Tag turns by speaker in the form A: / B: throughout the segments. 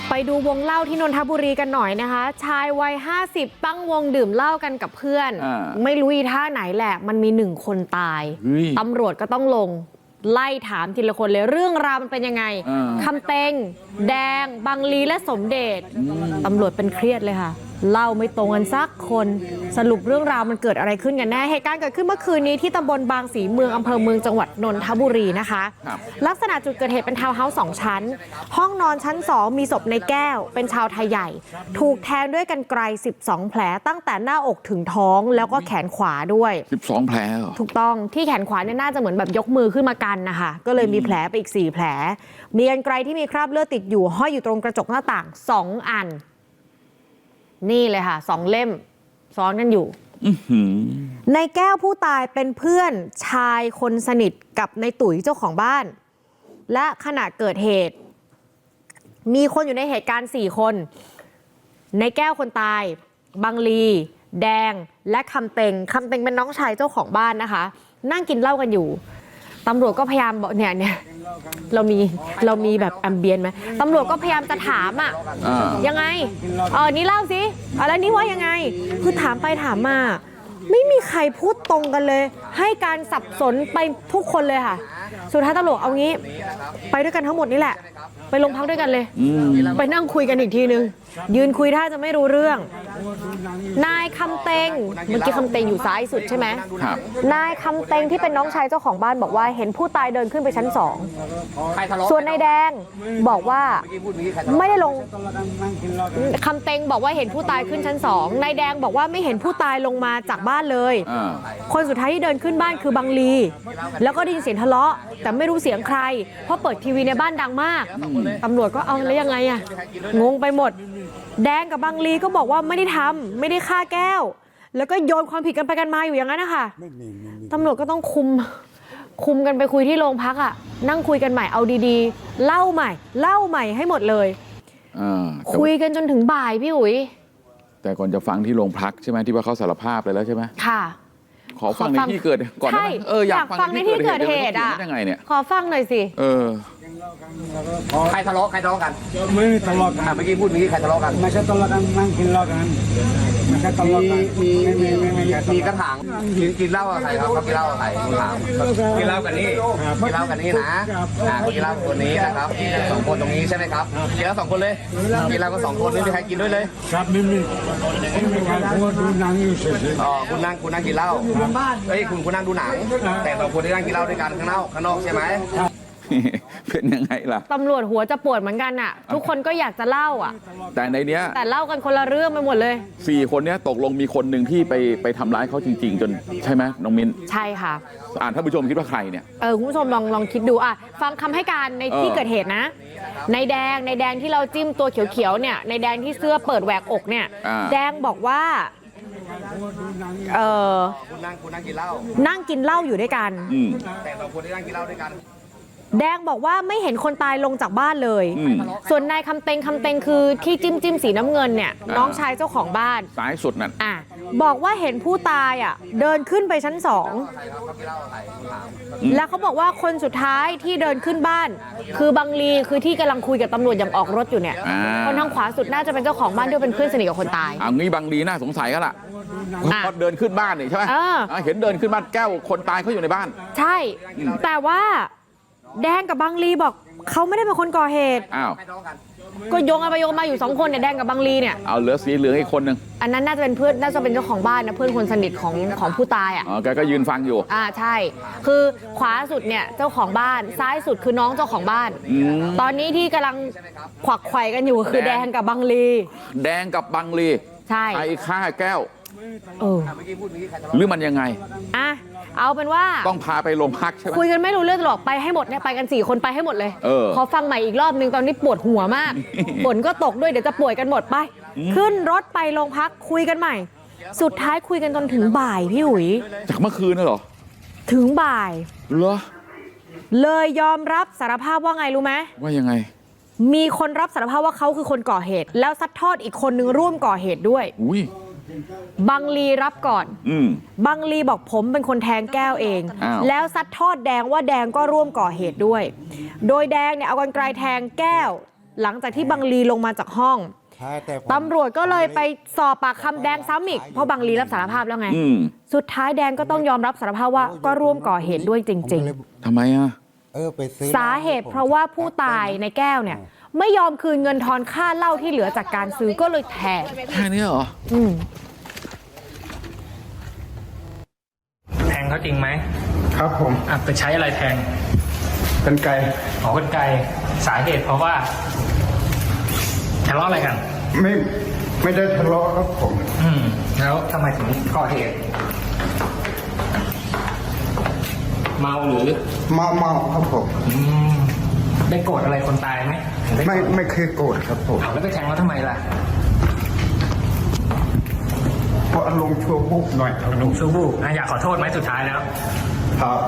A: ไปดูวงเล่าที่นนทบุรีกันหน่อยนะคะชายวัย50ตั้งวงดื่มเหล้ากันกับเพื่อนไม่รู้อีท่าไหนแหละมันมี1 คนตายตำรวจก็ต้องลงไล่ถามทีละคนเลยเรื่องราวมันเป็นยังไงคำเต็งแดงบังลีและสมเด็จตำรวจเป็นเครียดเลยค่ะเล่าไม่ตรงกันสักคนสรุปเรื่องราวมันเกิดอะไรขึ้นกันแน่เหตุการณ์เกิดขึ้นเมื่อคืนนี้ที่ตำบลบางสีเมืองอำเภอเมืองจังหวัดนนทบุรีนะคะลักษณะจุดเกิดเหตุเป็นทาวน์เฮาส์2 ชั้นห้องนอนชั้น2มีศพในแก้วเป็นชาวไทยใหญ่ถูกแทงด้วยกรรไกร12 แผลตั้งแต่หน้าอกถึงท้องแล้วก็แขนขวาด้วย
B: 12 แผลถู
A: กต้องที่แขนขวาเนี่ยน่าจะเหมือนแบบยกมือขึ้นมากันนะคะก็เลยมีแผลไปอีก4 แผลมีกรรไกรที่มีคราบเลือดติดอยู่ห้อยอยู่ตรงกระจกหน้าต่าง2 อันนี่เลยค่ะ2 เล่มซ้อนกันอยู่ในแก้วผู้ตายเป็นเพื่อนชายคนสนิทกับในตุ๋ยเจ้าของบ้านและขณะเกิดเหตุมีคนอยู่ในเหตุการณ์4 คนในแก้วคนตายบังลีแดงและคำเต็งเป็นน้องชายเจ้าของบ้านนะคะนั่งกินเหล้ากันอยู่ตำรวจก็พยายามบอกเนี่ยเรามีแบบแอมเบียนไหมตำรวจก็พยายามจะถามยังไงนี่เล่าสิอะไรนี่ว่ายังไงคือถามไปถามมาไม่มีใครพูดตรงกันเลยให้การสับสนไปทุกคนเลยค่ะสุดท้ายตำรวจเอางี้ไปด้วยกันทั้งหมดนี่แหละไปโรงพักด้วยกันเลยไปนั่งคุยกันอีกทีนึงยืนคุยถ้าจะไม่รู้เรื่องนายคำเต็งเมื่อกี้คำเต็งอยู่ซ้ายสุดใช่ไหมนายคำเต็งที่เป็นน้องชายเจ้าของบ้านบอกว่าเห็นผู้ตายเดินขึ้นไปชั้น2ส่วนนายแดงบอกว่าไม่ได้ลงคำเต็งบอกว่าเห็นผู้ตายขึ้นชั้น2นายแดงบอกว่าไม่เห็นผู้ตายลงมาจากบ้านเลยคนสุดท้ายที่เดินขึ้นบ้านคือบังลีแล้วก็ได้ยินเสียงทะเลาะแต่ไม่รู้เสียงใครเพราะเปิดทีวีในบ้านดังมากตำรวจก็เอาแล้วยังไงงงไปหมดแดงกับบังลีก็บอกว่าไม่ได้ทำไม่ได้ฆ่าแก้วแล้วก็โยนความผิดกันไปกันมาอยู่อย่างนั้นนะคะตำรวจก็ต้องคุมกันไปคุยที่โรงพักนั่งคุยกันใหม่เอาดีๆเล่าใหม่ให้หมดเลยคุยกันจนถึงบ่ายพี่อุ๋ย
B: แต่ก่อนจะฟังที่โรงพักใช่ไหมที่ว่าเขาสารภาพเลยแล้วใช่ไหม
A: ค่ะ
B: ขอฟังในที่เกิดก่อนได้ไหม
A: อยากฟังในที่เกิดเหตุ
B: ยังไงเนี่ย
A: ขอฟังหน่อยสิ
C: ใครทะเลาะกัน
D: ไม่ทะเลาะกัน
C: เมื่อกี้พูดใครทะเลาะกัน
D: ไม่ใช่ทะเลาะกันนั่งกินเหล้ากันไม่ใช่ทะเลาะกัน
C: มีกระถางกินเหล้ากับใครครับกินเหล้ากับใครถามกินเหล้ากันนี่กินเหล้ากันนี่นะกินเหล้าคนนี้นะครับ2 คนตรงนี้ใช่ไหมครับกินเหล้า2 คนเลยกินเหล้าก็2 คนไม่มีใครกินด้วยเลย
D: ครับไม่มีใครพูดดูหนังอยู่เฉย
C: ๆคุณนั่งกินเหล้าเฮ้ยคุณนั่งดูหนังแต่2 คนที่นั่งกินเหล้าด้วยกันข้างนอกใช่ไหม
B: เป็นยังไงล่ะ
A: ตำรวจหัวจะปวดเหมือนกันทุกคนก็อยากจะเล่า
B: แต่ในเนี้ย
A: แต่เล่ากันคนละเรื่องไปหมดเลย
B: 4 คนเนี้ยตกลงมีคนหนึ่งที่ไปทำร้ายเขาจริงๆจนใช่ไหมน้องมิ้น
A: ใช่ค่ะ
B: ท่านผู้ชมคิดว่าใครเนี่ย
A: คุณผู้ชมลองคิดดูฟังคำให้การในที่เกิดเหตุนะในแดงที่เราจิ้มตัวเขียวๆเนี่ยในแดงที่เสื้อเปิดแหวกอกเนี่ยแดงบอกว่า
C: คุณนั่งกินเหล้า
A: อยู่ด้วยกัน
C: แต่2 คนที่นั่งกินเหล้าด้วยกัน
A: แดงบอกว่าไม่เห็นคนตายลงจากบ้านเลยส่วนนายคำเต็งคือที่จิ้มสีน้ำเงินเนี่ยน้องชายเจ้าของบ้าน
B: ซ้ายสุดนั่น
A: บอกว่าเห็นผู้ตายเดินขึ้นไปชั้น2แล้วเขาบอกว่าคนสุดท้ายที่เดินขึ้นบ้านคือบังลีคือที่กำลังคุยกับตำรวจอย่างออกรถอยู่เนี่ยคนทางขวาสุดน่าจะเป็นเจ้าของบ้านด้วยเป็นเพื่อนสนิทกับคนตาย
B: งี้บังลีน่าสงสัยก็ล่ะพอเดินขึ้นบ้านนี่ใช่ไหมเห็นเดินขึ้นบ้านแก้วคนตายเขาอยู่ในบ้าน
A: ใช่แต่ว่าแดงกับบังลีบอกเขาไม่ได้เป็นคนก่อเหตุก็โยงไปโยงมาอยู่2 คนเนี่ยแดงกับบังลีเนี่ย
B: เอาเหลือสีเหลืองอีกคนนึง
A: อันนั้นน่าจะเป็นเพื่อนน่าจะเป็นเจ้าของบ้านนะเพื่อนคนสนิทของผู้ตาย
B: แกก็ยืนฟังอยู่
A: ใช่คือขวาสุดเนี่ยเจ้าของบ้านซ้ายสุดคือน้องเจ้าของบ้านตอนนี้ที่กำลังขวักไขว่กันอยู่คือแดงกับบังลี
B: ใช่ไอ้ฆ่าแก้วหรือมันยังไง
A: เอาเป็นว่า
B: ต้องพาไปโรงพักใช่ไหม
A: คุยกันไม่รู้เรื่องหรอกไปให้หมดเนี่ยไปกัน4 คนไปให้หมดเลยขอฟังใหม่อีกรอบนึงตอนนี้ปวดหัวมากฝนก็ตกด้วยเดี๋ยวจะป่วยกันหมดไปขึ้นรถไปโรงพักคุยกันใหม่สุดท้ายคุยกันจนถึงบ่ายพี่อุ๋ย
B: จากเมื่อคืนน่ะเหรอ
A: ถึงบ่าย
B: เหรอ
A: เลยยอมรับสารภาพว่าไงรู้ไหม
B: ว่ายังไง
A: มีคนรับสารภาพว่าเขาคือคนก่อเหตุแล้วซัดทอดอีกคนนึงร่วมก่อเหตุด้วยบังลีรับก่อนบังลีบอกผมเป็นคนแทงแก้วเองแล้วซัดทอดแดงว่าแดงก็ร่วมก่อเหตุด้วยโดยแดงเนี่ยเอากรรไกรแทงแก้วหลังจากที่บังลีลงมาจากห้องตำรวจก็เลยไปสอบปากคำแดงซ้ำอีกเพราะบังลีรับสารภาพแล้วไงสุดท้ายแดงก็ต้องยอมรับสารภาพว่าก็ร่วมก่อเหตุด้วยจริงๆ
B: ทำไมอ่ะ
A: สาเหตุเพราะว่าผู้ตายในแก้วเนี่ยไม่ยอมคืนเงินทอนค่าเหล้าที่เหลือจากการซื้อก็เลยแทง
B: แค่นี้เหรอ
E: แทงเขาจริงไหม
D: ครับผม
E: ไปใช้อะไรแทง
D: กรรไกร
E: กรรไกรสาเหตุเพราะว่าทะเลาะอะไรกัน
D: ไม่ได้ทะเลาะครับผม
E: แล้วทำไมถึงก่อเหตุเมาหรือ
D: เมาครับผม
E: ได้โกรธอะไรคนตายไหม
D: ไม่เคยโกรธครับผม
E: แล้วไปแทงเขาทำไมล่ะ
D: เพราะอารมณ์ชั่ววูบหน่อย
E: อารมณ์ชั่ววูบอยากขอโทษไหมสุดท้ายแล้ว
D: ครับ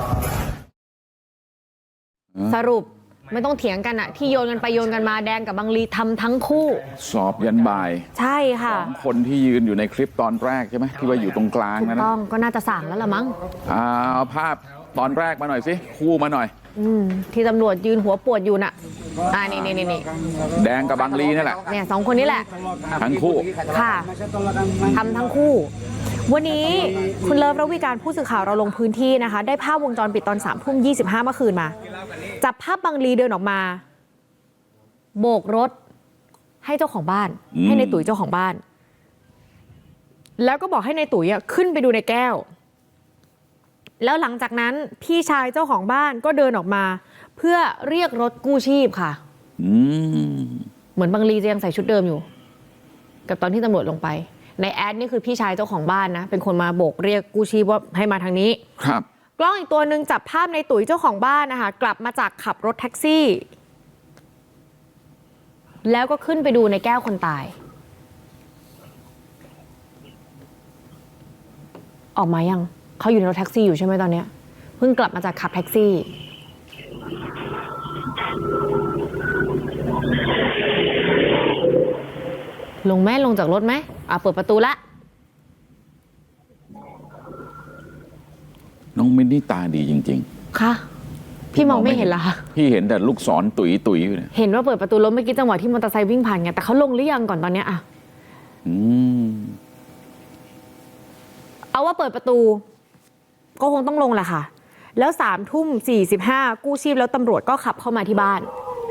A: สรุปไม่ต้องเถียงกันอะที่โยนกันไปโยนกันมาแดงกับบังลีทำทั้งคู่
B: สอบยันบ่าย
A: ใช่ค่ะ
B: คนที่ยืนอยู่ในคลิปตอนแรกใช่ไหมที่ว่าอยู่ตรงกลาง
A: นั่นต้องก็น่าจะสั่งแล้วล่ะมั้ง
B: เอาภาพตอนแรกมาหน่อยสิคู่มาหน่อย
A: ที่ตำรวจยืนหัวปวดอยู่น่ะนี่
B: แดงกับบังลีนี่แหละ
A: เนี่ย2คนนี้แหละ
B: ทั้งคู่
A: ค่ะทำทั้งคู่วันนี้คุณเลิฟระวีการผู้สื่อข่าวเราลงพื้นที่นะคะได้ภาพวงจรปิดตอน3:25เมื่อคืนมาจับภาพบังลีเดินออกมาโบกรถให้เจ้าของบ้านให้ในตุ๋ยเจ้าของบ้านแล้วก็บอกให้ในตุ๋ยขึ้นไปดูในแก้วแล้วหลังจากนั้นพี่ชายเจ้าของบ้านก็เดินออกมาเพื่อเรียกรถกู้ชีพค่ะเหมือนบังลีจะยังใส่ชุดเดิมอยู่กับตอนที่ตำรวจลงไปในแอดนี่คือพี่ชายเจ้าของบ้านนะเป็นคนมาโบกเรียกกู้ชีพว่าให้มาทางนี้
B: ครับ
A: กล้องอีกตัวหนึ่งจับภาพในตุ๋ยเจ้าของบ้านนะคะกลับมาจากขับรถแท็กซี่แล้วก็ขึ้นไปดูในแก้วคนตายออกมายังเขาอยู่ในรถแท็กซี่อยู่ใช่ไหมตอนนี้เพิ่งกลับมาจากขับแท็กซี่ลงจากรถไหมเปิดประตูละ
B: น้องมินนี่ตาดีจริง
A: ๆค่ะพี่มองไม่เห็นละ
B: พี่เห็นแต่ลูกศรตุ๋ยอยู่เนี่ย
A: เห็นว่าเปิดประตูรถเมื่อกี้จังหวะที่มอเตอร์ไซค์วิ่งผ่านไงแต่เขาลงหรือยังก่อนตอนนี้เอาว่าเปิดประตูก็คงต้องลงแหละค่ะแล้ว3:45กู้ชีพแล้วตำรวจก็ขับเข้ามาที่บ้าน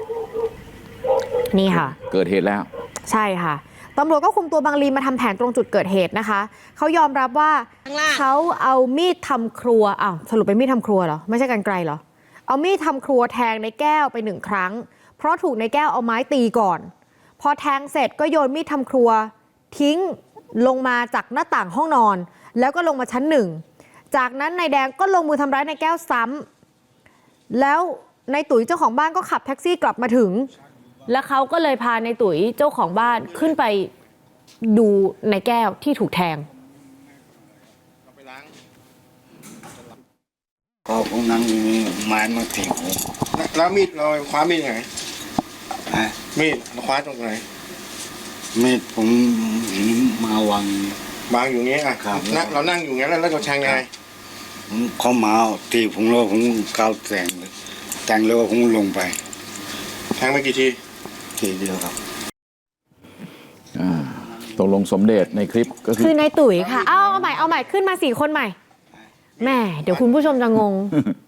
A: นี่ค่ะ
B: เกิดเหตุแล้ว
A: ใช่ค่ะตำรวจก็คุมตัวบังลีมาทำแผนตรงจุดเกิดเหตุนะคะเขายอมรับว่าเขาเอามีดทำครัวสรุปเป็นมีดทำครัวเหรอไม่ใช่กรรไกรเหรอเอามีดทำครัวแทงในแก้วไป1 ครั้งเพราะถูกในแก้วเอาไม้ตีก่อนพอแทงเสร็จก็โยนมีดทำครัวทิ้งลงมาจากหน้าต่างห้องนอนแล้วก็ลงมาชั้น1จากนั้นนายแดงก็ลงมือทำร้ายนายแก้วซ้ำแล้วนายตุ๋ยเจ้าของบ้านก็ขับแท็กซี่กลับมาถึงแล้วเขาก็เลยพานายตุ๋ยเจ้าของบ้านขึ้นไปดูนายแก้วที่ถูกแทง
F: ก็ผมนั่งไม้มาถีบ
G: แล้วมีดเราคว้ามีดยังไงมีดเราคว้าตรงไหน
F: มีดผมมาวาง
G: อยู่งี้เรานั่งอยู่งี้แล้วเราแทงยังไง
F: เขามาตีผมแล้วผมก้าวแต่งแล้วผมลงไป
G: แทงไปกี่ที
F: เดียวครับ
B: ตกลงสมเด็จในคลิปก็
A: คือนายตุ๋ยค่ะเอาใหม่ขึ้นมา4 คนใหม่แม่เดี๋ยวคุณผู้ชมจะงง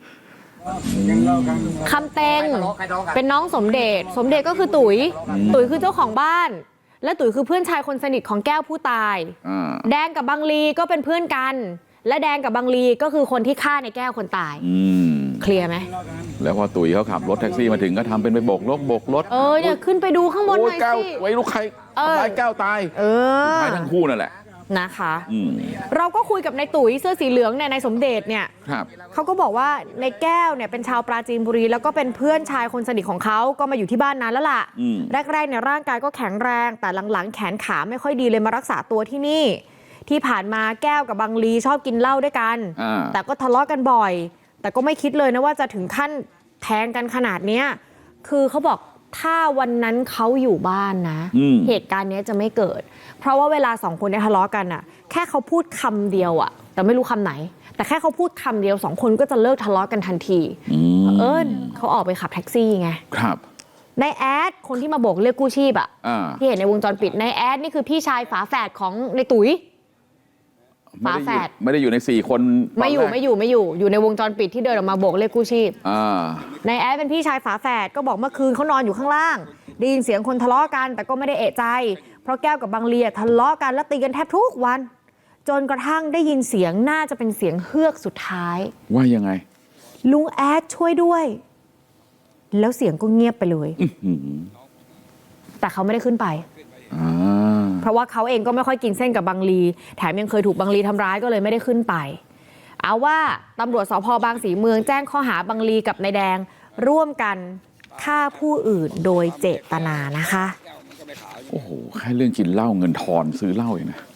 A: คำเต็งเป็นน้องสมเด็จก็คือตุ๋ยคือเจ้าของบ้านและตุ๋ยคือเพื่อนชายคนสนิทของแก้วผู้ตายแดงกับบังลีก็เป็นเพื่อนกันและแดงกับบังลีก็คือคนที่ฆ่าในแก้วคนตายเคลียร์ไหม
B: แล้วพอตุ๋ยเขาขับรถแท็กซี่มาถึงก็ทำเป็นไปโบกรถ
A: เนี่ยขึ้นไปดูข้างบนหน่อยสิ
B: ไว้ลูกใครแก้วตายตายทั้งคู่นั่นแหละ
A: นะคะเราก็คุยกับนายตุ๋ยเสื้อสีเหลืองเนี่ยนายสมเด็จเนี่ยเขาก็บอกว่าในแก้วเนี่ยเป็นชาวปราจีนบุรีแล้วก็เป็นเพื่อนชายคนสนิทของเขาก็มาอยู่ที่บ้านนานแล้วล่ะแรกๆเนี่ยร่างกายก็แข็งแรงแต่หลังๆแขนขาไม่ค่อยดีเลยมารักษาตัวที่นี่ที่ผ่านมาแก้วกับบังลีชอบกินเหล้าด้วยกันแต่ก็ทะเลาะกันบ่อยแต่ก็ไม่คิดเลยนะว่าจะถึงขั้นแทงกันขนาดเนี้ยคือเขาบอกถ้าวันนั้นเขาอยู่บ้านนะเหตุการณ์นี้จะไม่เกิดเพราะว่าเวลา2 คนเนี่ยทะเลาะกันอะแค่เขาพูดคำเดียวอะแต่ไม่รู้คำไหนแต่แค่เขาพูดคำเดียว2 คนก็จะเลิกทะเลาะกันทันทีเขาออกไปขับแท็กซี่ไง
B: ครับ
A: นายแอดคนที่มาโบกเรียกกู้ชีพอ่ะ ที่เห็นในวงจรปิดนายแอดนี่คือพี่ชายฝาแฝดของในตุ๋ยฝาแฝด
B: ไม่ได้อยู่ใน4 คน
A: ไม่อยู่อยู่ในวงจรปิดที่เดินออกมาโบกเรียกกู้ชีพนายแอดเป็นพี่ชายฝาแฝดก็บอกเมื่อคืนเขานอนอยู่ข้างล่างได้ยินเสียงคนทะเลาะกันแต่ก็ไม่ได้เอะใจเพราะแก้วกับบังลีทะเลาะกันและตีกันแทบทุกวันจนกระทั่งได้ยินเสียงน่าจะเป็นเสียงเฮือกสุดท้าย
B: ว่ายังไง
A: ลุงแอดช่วยด้วยแล้วเสียงก็เงียบไปเลยแต่เขาไม่ได้ขึ้นไปเพราะว่าเขาเองก็ไม่ค่อยกินเส้นกับบังลีแถมยังเคยถูกบังลีทำร้ายก็เลยไม่ได้ขึ้นไปเอาว่าตำรวจสภ.บางสีเมืองแจ้งข้อหาบังลีกับนายแดงร่วมกันฆ่าผู้อื่นโดยเจตนานะคะ
B: โอ้โหแค่เรื่องกินเหล้าเงินทอนซื้อเหล้าเองนะ